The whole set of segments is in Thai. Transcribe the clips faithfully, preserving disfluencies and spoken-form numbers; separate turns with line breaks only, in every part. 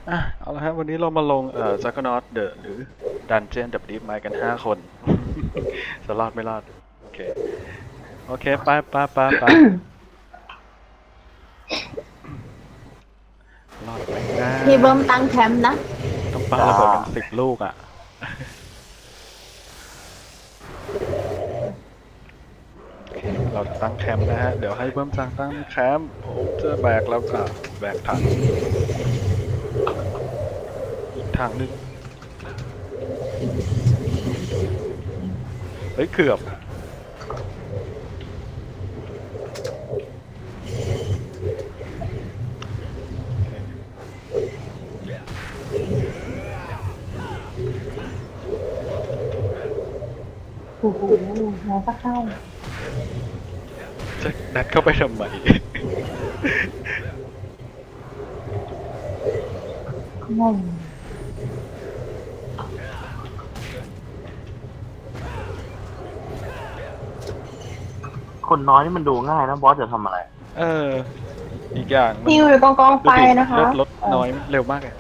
อ่ะเอาละครับวันนี้เรามาลงเอ่อ Psychonaut The หรือ Dungeon The Deep Mind กันห้าคน จะรอดไม่รอด โอเค โอเค ไปไปไปไปรอดไหมนะ
พี่เบิ้มตั้งแคมป์นะ
ต้องปาระเบิดกันสิบลูกอ่ะ เราจะตั้งแคมป์นะฮะ เดี๋ยวให้เบิ้มจังตั้งแคมป์ผมจะแบกแล้วค่ะแบกถังอีกถังหนึงเฮ้ยเกือบ
โอ้โหน้องก็เข้า
จะนัดเข้าไปทำไม
งง
คนน้อยนี่มันดูง่ายนะบอสจะทำอะไร
เออ อีกอย่างมัน
พี่อยู่กองกองไฟ
ดูดิ
นะคะ
เลือดลดน้อยเร็วมากเลย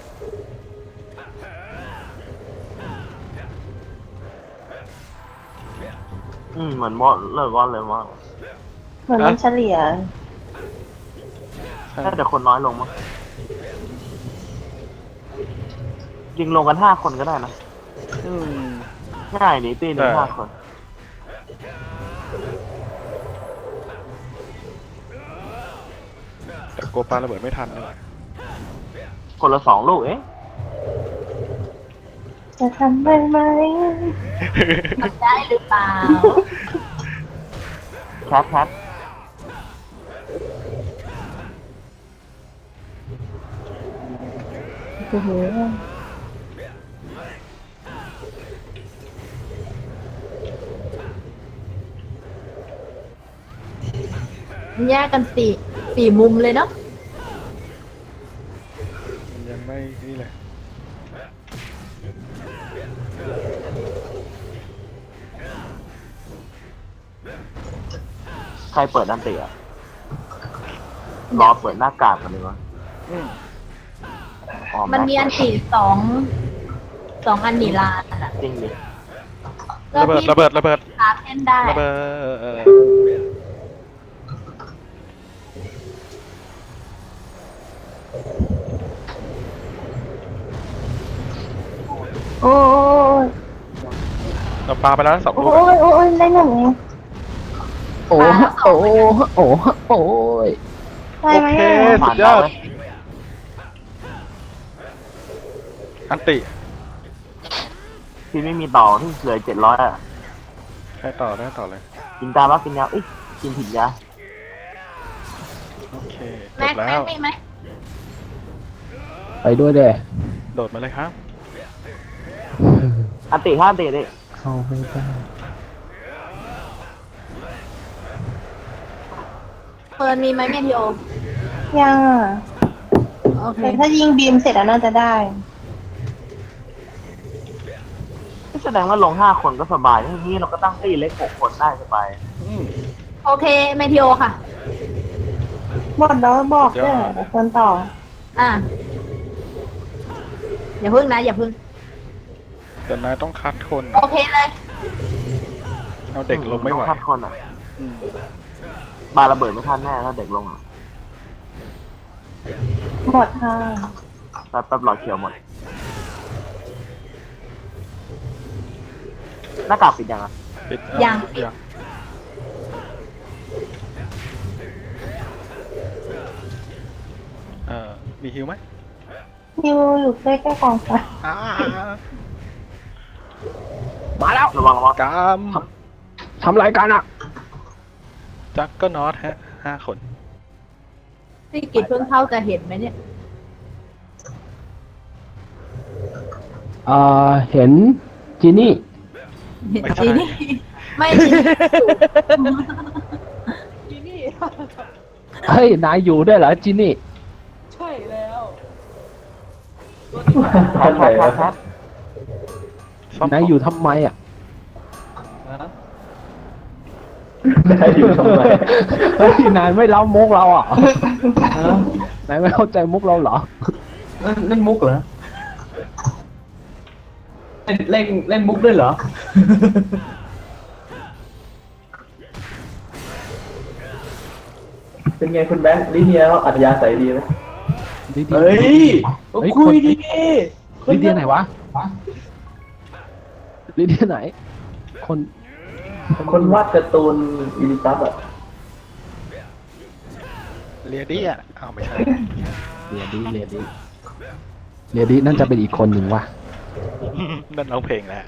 อืมเหมือนบอสเลยบอสเลยว่า
เหมือนมันเฉลี่ย
ใช่
แค่แต่คนน้อยลงมั้งยิงลงกันห้าคนก็ได้นะ
อืม
ง่ายนี่ตีหนึ่ง
แต่
ห้าคน
แต่กลัวปาระเบิดไม่ทันนี่แหละ
คนละสองลูกเอ๊ะ
จะทำได้ไหมทำได้หรือเปล่า
แคทแคท
โอ้โหแยกกันสี่สี่มุมเลยเนาะ
มันยังไม่นี่เลย
ใครเปิดอันเตียรอเปิดหน้ากากกันเลยวะ
อืม
อ๋อ
มันมีอันสี่สองสองอันนีลานอ่ะ
จริงดิ
ระเบิดระเบิดระเบิด
พาเล่นได้
ระเบิด
โอ้ย
เราปาไปแล้วสอง
โอ้
ลูก
ยโอ้ยได้หนึ่ง
โอ้โอ้โอ้โอ้ย
ได้
โอ
ไหม
เค
อ่ะ
สุดยอดอันติ
พี่ไม่มีต่อที่เหลือเจ็ดร้อยอ่ะ
ใครต่อได้ต่อเลย
กินตาบ้ากินยาเอ้ยกินผิดยา
โอเคจ
แม็
บ
ก
แล้
แม็ก
ว
มีไหม
ไปด้วยเด้
โดดมาเลยครับ
อันติห้าอันติดิ
เข้าไม่ได้
เฟิร์นมีไหมเมทิโอ
ยังอ่ะ
โอเค
แต่ถ้ายิงบีมเสร็จแล้วน่าจะได้
แสดงว่าลงห้าคนก็สบายทีนี้เราก็ตั้งตีเล็กหกคนได้สบาย
อืม
โอเคเมทิโอค่ะ
หมดแล้วบอกด้วย
ยอด
เดี๋ยวคนต่อ
อ่ะอย่าพึ่งนะ อย่าพึ่ง
แต่นายต้องคัดคน
โอเคเลย
เอาเด็กลงไม่ไหว
ต้องคัดคนอ่ะ
อืม
บาระเบิดไม่ทันแน่ถ้าเด็กลงอ่ะ
หมดค่ะ
แป๊บแป๊บหลอดเขียวหมด หน้ากากปิดยังอ่ะ
ปิด
ยัง
ยังเอ่อมีฮิวไหม
นิวอยู่ใกล้ๆกองไฟ
อ่า
มาแล้ว
ระวังระวัง
กาม
ทำรายการอ่ะ
จักก็นอตฮะห้าคน
พี่กิจเพิ่งเข้าจะเห็นไหมเนี่ย
เอ่อ เห็นจีนี่
เห็น
ไม่ใช่
จีนี่ไม่จีนี่
เฮ้ย นายอยู่ด้วยเหรอจีนี่
ใช่แล้ว
แคทแคทแคทแคท
ซ่อม
นายอยู่ทำไมอ่ะ
ฮะ
นายอยู่ทำไม เฮ้ย นายไม่เล่ามุกเราอ่ะฮะนายไม่เข้าใจมุกเราเหรอนั่นนั่นมุกเหรอเล่นเล่นเล่นมุกด้วยเหรอ
เป็นไงคุณแบงค์ลิเนียอัธยาศัยดีไหม
ลิเดีย
เฮ้ย
เฮ้ย
คุยดี
ลิเดียไหนวะลิเดียไหน คน
คนวาดการ์ตูนอีลิตัสอ่ะ
เรียดี้อ่ะอ้าวไม่ใช่
เรียดีเรียดีเรียดีนั่นจะเป็นอีกคนหนึ่งวะ
นั่นร้องเพลงแหละ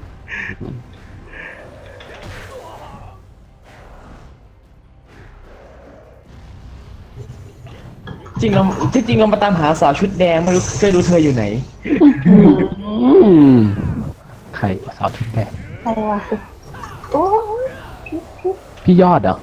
จริงเราที่จริงเรามาตามหาสาวชุดแดงไม่รู้เคยรู้เธออยู่ไหน
อืมใครสาวชุดแดง
ใครวะโอ้ย
พี่ยอดเหรอ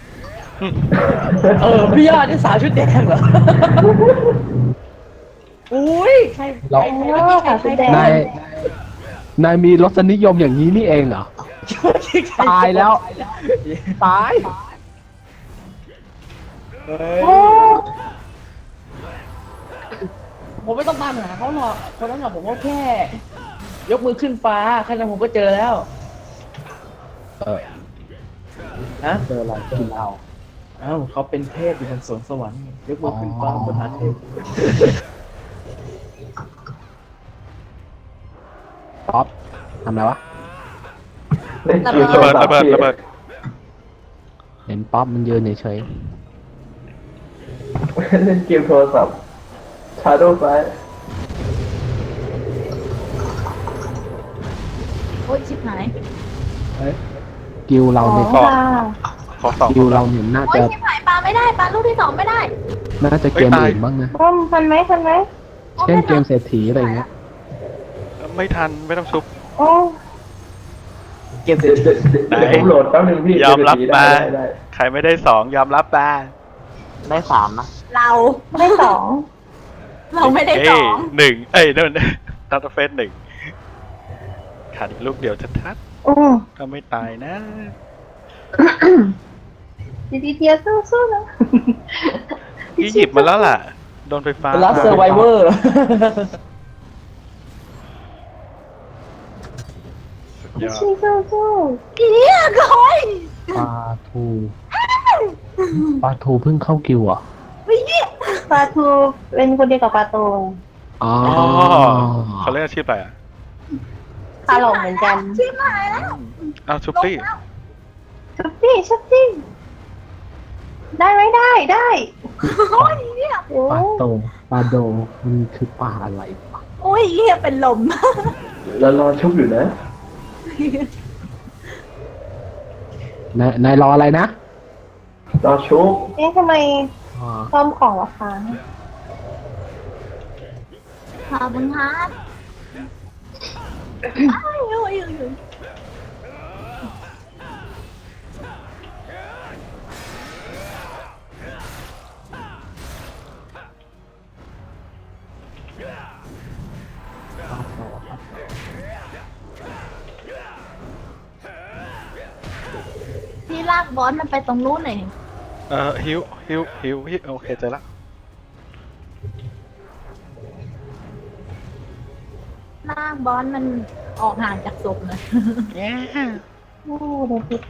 เออพี่ยอดนี่สาวชุดแดงเหรอ อุ้ยใคร
เรา
ใคร
โอ้ยสาวชุดแดง
นายนายมีรสนิยมอย่างนี้นี่เองเหรอ ตายแล้ว ตาย
โอ้
ผมไม่ต้องตามหาเขาหรอกคนนั้นหรอกผมก็แค่ ยกมือขึ้นฟ้าแค่นั้นผมก็เจอแล้ว
เออ
นะ
เจออะไรกินเอา
อ้าวเขาเป็นเทพอยู่บนสวนสวรรค์ยกมือขึ้นฟ้าบนหาเทพ
ป๊อปทำอะไรวะ
เล่นเกม
ระเบิดระเบิดระเบิด
เห็นป๊อปมันยืนเฉย
เล่นเกมโทรศัพท์ชาโดว์ไฟ
โอ๊ยชิบหาย
ๆกิวเราเนี่ย
ค่ะ
ขอสอง
กิวเราเนี่ยน่า
โอ๊ย
จะ
ชิบหายปลาไม่ได้ปลาลูกที่สองไม่ได้
น่าจะเกมอื่นบ้างนะ
ร่มทันไหมทันไหม
เช่นเกมเศรษฐีอะไรเงี้ย
ไม่ทันไม่ต้องชุบ
โอ้
เกมเสร็
เดี๋
จ
ยวเดี๋ยวเดี๋ยวผมโหลดแป๊บนึงพี่
ยอมรับ
ได้
มา
ได้ได้
ใครไม่ได้สองยอมรับมา
ได้สามนะ
เรา
ได้สอง
เราไม่ได้ส
เอ้
อย ง
หนึ่งเอ้ยนั่นทัตเฟสหนึ่งขาดอีกลูกเดียวชัด
โอ้
ๆถ้าไม่ตายนะ
ดีดีเทียสู้สู้ๆนะ
พี่หยิบมาแล้วล่ะ โดนไฟฟ้า
เป็นลัสเซอร์ไวเวอร์
สุดยอด
สู้สู้สู้
อีเนี่ยก้อย
ปลาทูปลาทูเพิ่งเข้ากิวเหรอ่ะ
วิเนี่ย
ปลาทูเป็นคนเดียวกับปลาโต
อ๋อ
อ๋อเขาเรียกอาชีพอะไรอ่ะ
ปลาหลงเหมือนกัน
ชิบหายแล้ว
อ้าวชุบตี้
ชุบจี้ชุบจี้ได้ไหมได้ได้
โอ้ยเนี่ย
โอ้
ปลาโตปลาโดมันคือปลาอะไรวะ
โอ้ยเหี้ยเป็นลม
แล้วรอชุบอยู่นะ
นายนายรออะไรนะ
รอชุบ
เอ๊ะทำไม
อ๋อ
ซ่อมของราคา
ขอบคุณครับอ้าวโอ้ยโอ้ยโอ้ย พี่ลากบอสมันไปตรงนู้นหน่อย
เอ่อฮิวฮิวฮิวฮิวโอเคเจอละ
ลากบอสมันออกห่างจากศพเลย
โอ้โดนพิษ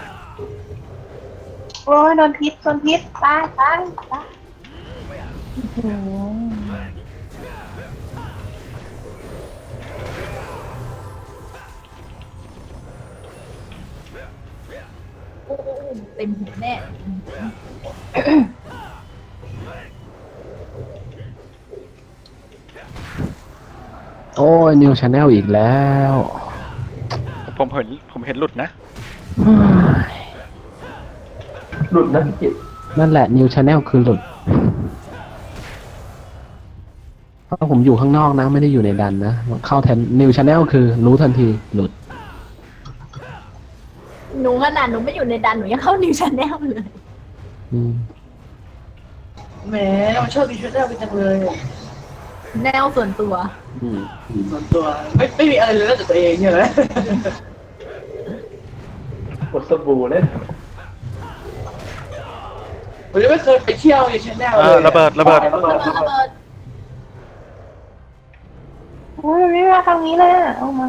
โอ้ยโดนพิษโดนพิษตายตายตายอื้อหือ
โอ้โหเต็มหัวแน่
โอ้ยนิวชาแนลอีกแล้ว
ผมเห็นผมเห็นหลุดนะ
หลุดนะพี่กิต
นั่นแหละนิวชาแนลคือหลุดเพราะผมอยู่ข้างนอกนะ ไม่ได้อยู่ในดันนะ เข้าแทนนิวชาแนลคือรู้ทันทีหลุด
หนูขนาดหนูไม่อยู่ในดันหนูยังเข้านิวชาแนลเลย
อืม
แหมมันชอบดีชุดแรกไปจังเลย
แนวส่วนตัว
อืม
ส่วนตัวไม่ไม่มีอะไรเลยนอกจากตัวเองใช่ไหม
กดสบู่เล่น
ผมยังไม่เคยไปเที่ยวในชาแนล
เอ
เล
อย ระเบิดระเบิด
ระเบิด
ระเบิด
โอ้ยมันไม่มาทางนี้เลยอ่ะเอามา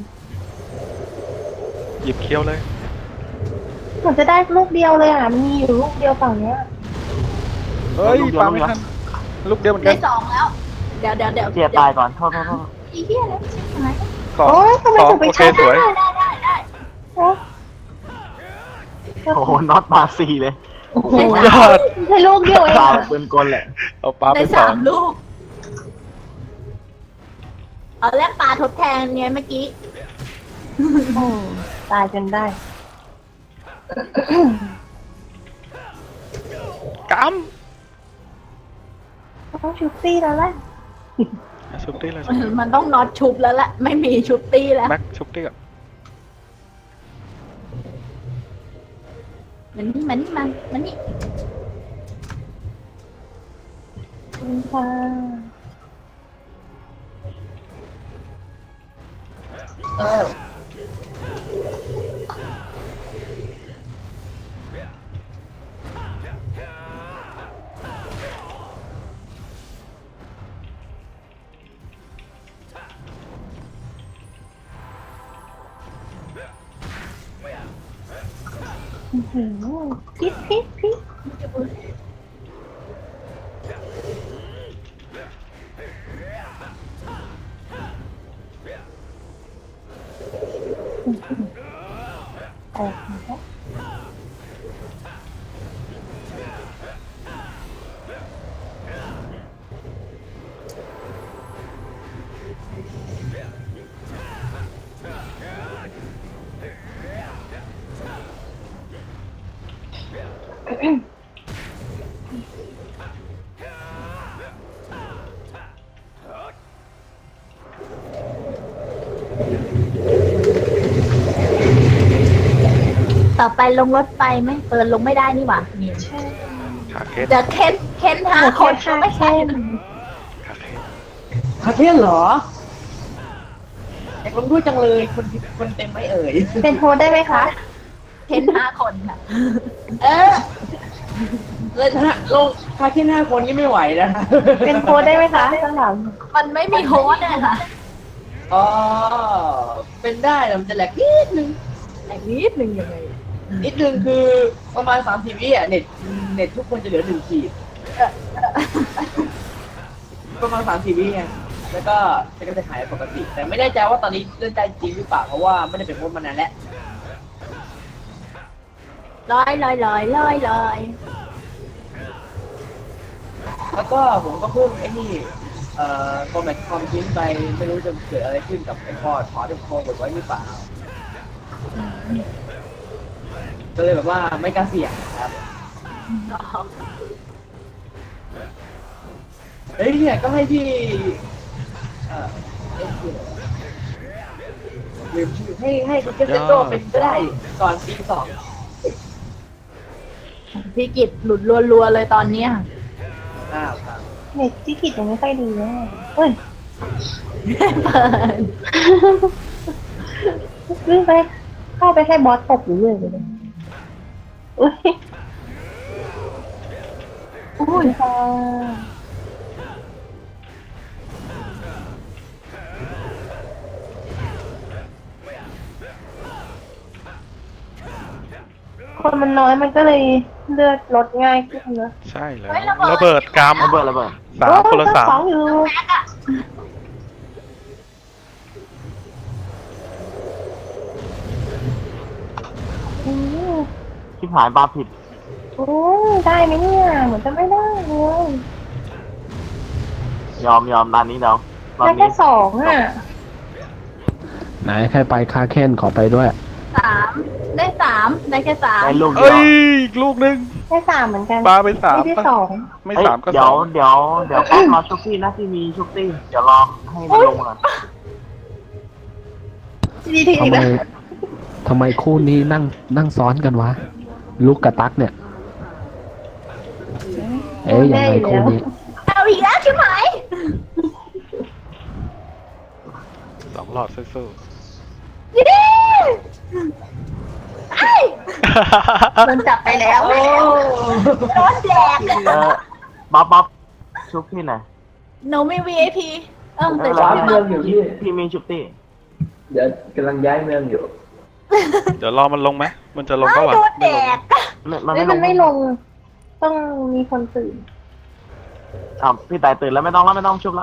หยิบเคี้ยวเลย
เหมือนจะได้ลูกเดียวเลยอ่ะมันมีอยู่ลูกเดียวฝั่งเนี้ย
เฮ้ยปาไม่ทันลูกเดียวเหมือนกั
ได้
น
สองแล้ว เดี๋ยวเดี๋ยวเดี๋ยว
เจียตายก่อนโทษโทษโทษ
อีเหี้ยแล้วชิบหาย
สอง
โอ้ยทำไม
สอง
ถึงไป
โอเค
ชาร์จ
สวย
ได้ได้ได้ได้
โอ้ย
โอ้โหน็อตมาสี่เลย
โอ้โห
ยอด
ใช่ลูกเดียวเอง
ตา
อะ
ปืนกลแหละ
เอาปลาไป
ได้
สอ
สาง มลูก เอาแลกปลาทดแทนไงเมื่อกี้
โอ้ตายจนได้
ก
ต้องชุบซี่แล้วแหละ
ำชุบตี้เลย
มันต้องน็อตชุบแล้วแหละ ไม่มีชุบตี้แล้ว
แม็กชุบตี้ก่อน
มันนี่มันนี่มันมันนี่
ขอบคุณค่ะเออ อื้อหือพิษพิษพิษแตกแล้ว
ต่อไปลงรถไฟไหมเปิดลงไม่ได้นี่หว่านี่
ใช่
ขาเคส
เดี๋ยวเค้นเค้นหาคนก็ไม่ใช่นะ
ขาเคส
คาเทียนเหรออยากลงด้วยจังเลยคนคนเต็มไม่เอ่ย
เป็นโฮสได้ไหมคะ
เค้นห้าคนค่ะ
เออเลยชนะลงคาเทียนห้าคนนี่ไม่ไหวนะ
เป็นโฮสได้ไหมคะข้างหลัง
มันไม่มีโฮสต์เลยค่ะ
อ๋อเป็นได้แต่มันจะแหลกนิดนึง
แต่นิดนึงยังไง
นิดนึงคือประมาณสามสิบวิอ่ะเน็ตเน็ตทุกคนจะเหลือหนึ่งขีดประมาณสามสิบวิไงแล้วก็จะจะหายปกติ แต่ไม่แน่ใจว่าตอนนี้เล่นได้จริงหรือเปล่าเพราะว่าไม่ได้เป็นโค้ชมานานแล้ว
ลอยลอยลอยลอยลอย
แล้วก็ผมก็เพิ่งไอ้นี่เอ่อคอมแมทคอมทิ้งไปไม่รู้จะเกิดอะไรขึ้นกับไอ้พอร์ตขอที่โคกดไว้หรือเปล่าก็เลยแบบว่าไม่กล้าเสี่ยงครับเฮ้ยเนี่ยก็ให้พี่เอ่อเอ็นคืออะไรวะลืมชื่อให้ให้คุณเจสเซโตเป็นก็ได้ก่อนปีสอง
พี่กิจหลุดรัวๆเลยตอนเนี้ย
อ้าวครับ
เน็ตที่กิจยังไม่ค่อยดีเลยเอ้ย
เปิด
วิ่งไปเข้าไปให้บอสตบอยู่เลยเลยอุ้ยอุ้ยค่ะคนมันน้อยมันก็เลยเลือดลดง่ายขึ้นเนอะ
ใช่เลยระเบิดก
ระเบิดระเบิด
ำสามคนละสาม
โอ้ยเจ้ของอยู่อืม
ชิบหายปลาผิด
โอ้ยได้ไหมเนี่ยเหมือนจะไม่ได้เลย
ยอมยอมด้านนี้เดาตอน
ได้แค่
นี้
สองอ่ะ
ไหนใครไปคาเคนขอไปด้วย
สามได้สามได้แค่สาม
ได้ลูกเดี
เอ้
ยวย
อีกลูกหนึง
ได้สามเหมือนกัน
ปลาไปสาม
ไม่ได้
ปะ
สอง
ไม่
เอ้ย
สามก็
เดี๋
ส
ยว
อง
เดี๋ยวเดี๋ยวป๊อปรอชุกตี้นะที่มีชุกตี้เดี๋ยวรอให้มันลงก่อน
ดีที
ทำไม
นะ
ทำไมคู่นี้นั่งนั่งซ้อนกันวะ ลูกกับตั๊กเนี่ย เอ๊ยยังไงคู่นี้
เอาอีกแล้วใช่ไหม
สองหลอดสู้
ยี่ดีไอ้โดนจับไปแล้ว
โอ้
โดนแดก
เออบ๊อบบ๊อบชุกที่ไหนอย
หนูมี วี ไอ พีเออแต่
ว้าร์ปเมืองอยู่พี่
พี่มีชุบตี้
เดี๋ยวกำลังย้ายเมืองอยู่
เดี๋ยวรอมันลงไหมมันจะลง
ไม่
ก็วะ
โดนแดก
ไม่มัน
เฮ้ย
ไม่
มันไม่
ล
ล
ง
ง ต้องมีคนตื่น
อ้าวพี่ตายตื่นแล้วไม่ต้องแล้วไม่ต้องชุบแล้ว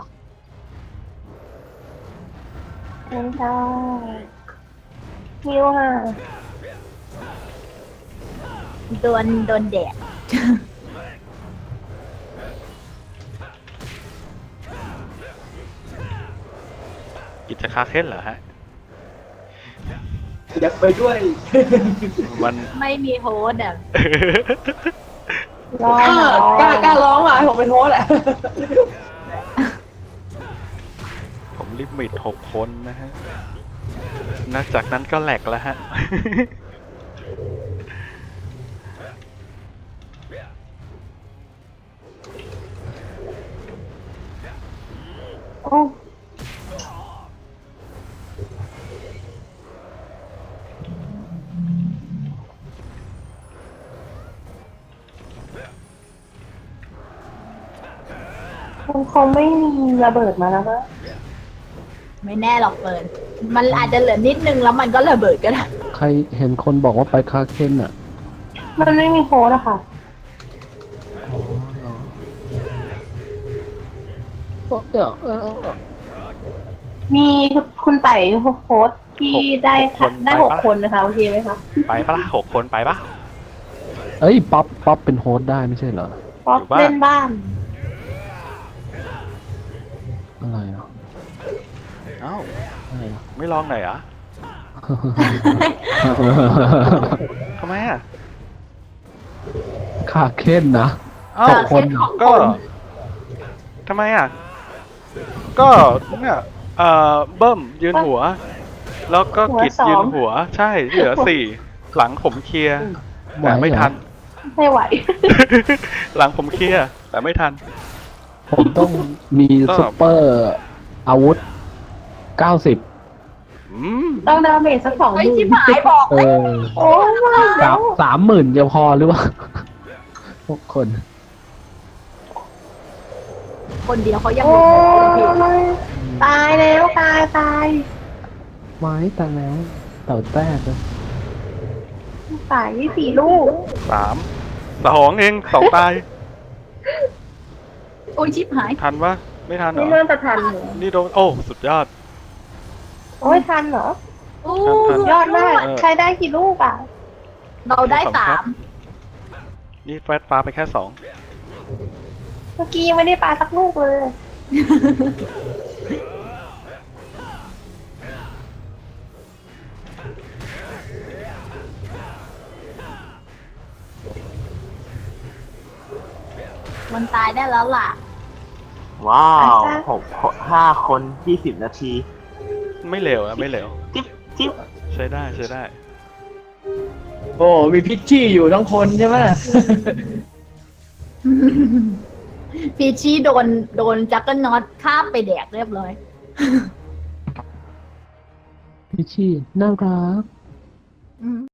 ไม่ได้ฮิวค่ะ
โดนโดนแดก
กิจคาเค้นเหรอฮะ
อยากไปด้วย
มัน
ไม่มีโฮสต์อ่ะ
รอก
ล้า
หน่อย
กล้ากล้าร้องอ่ะให้ผมเป็นโฮสต์แหละ
ผมลิมิตหกคนนะฮะนอกจากนั้นก็แหลกแล้วฮะ
โอ้ มันคงไม่มีระเบิดมาแล้วนะ
ไม่แน่หรอกเปิดมันอาจจะเหลือนิดนึงแล้วมันก็ระเบิดก็ได้
ใครเห็นคนบอกว่าไปคาเคนอ่ะ
มันไม่มีโค้ดอะค่ะ
เดี๋ยวเออ
มีคุณไต่โค้ดที่ได้ค่ะได้หกคนนะคะโอเคไหมคะ
ไปปะล่ะหกคนไปปะ
เอ้ยป๊อปป๊อปเป็นโฮสต์ได้ไม่ใช่เหรอ
ป๊อป
อยู่บ้าน
เล่นบ้าน
อะไรอ่ะ
เอ้า
อะไรอ่ะ
ไม่ลองหน่อยเหรอทำไมอ่ะ
คาเคนนะ
เอ้า
หกคนเหรอ
ก็ทำไมอ่ะ ก็เนี่ยเอ่อเบิ้มยืนหัว แล้วก็กิดยืนหัว ใช่เหลือสี่หลังผมเคลียร์แต่ไม่ทัน
ไม่ไหว
หลังผมเคลียร์แต่ไม่ทัน
ผมต้องมี
ก็
ซุปเปอร์อาวุธเก้าสิบ
อืม
ต้องดาเมจสักสองห
เฮ้ย
มื่น
ชิบหายบอก
เอ
เลย
อ
โอ้ยมา
สา
แล้ว
มสามหมื่นจะพอหรือว่าพวกคน
คนเดียวเขายัง
โอ้
หมดเลย
ยตายแล้วตายตาย
ไม้แต่แล้วเต่าแต้เลย
ตายที่สี่ลูก
สามสองเองสองตาย
โอ้ยชิบหาย
ทันปะไม่ทันเหร
นี่
อ
น่าจะทันเหรอ
นี่โดนโอ้สุดยอด
โอ้ยทันเหรอ
โอ้
ทัน
ยอดมาก
เออ
ใช้ได้กี่ลูกอ่ะ
เราได้สาม
นี่แฟดปลาไปแค่สอง
เมื่อกี้ยังไม่ได้ปลาสักลูกเลย
มันตายได้แล้วล่ะ
ว้าว
อาจารย์
หกห้าคนยี่สิบนาที
ไม่เหลวนะไม่เหลว
จิ๊บจิ๊บ
ใช้ได้ใช้ได้
โอ้มีพิชชี่อยู่ทั้งคนใช่ไหม
พีชี่โดนโดนจักรน็อตคาบไปแดกเรียบร้อย
พี่ชี่น่ารัก
อืม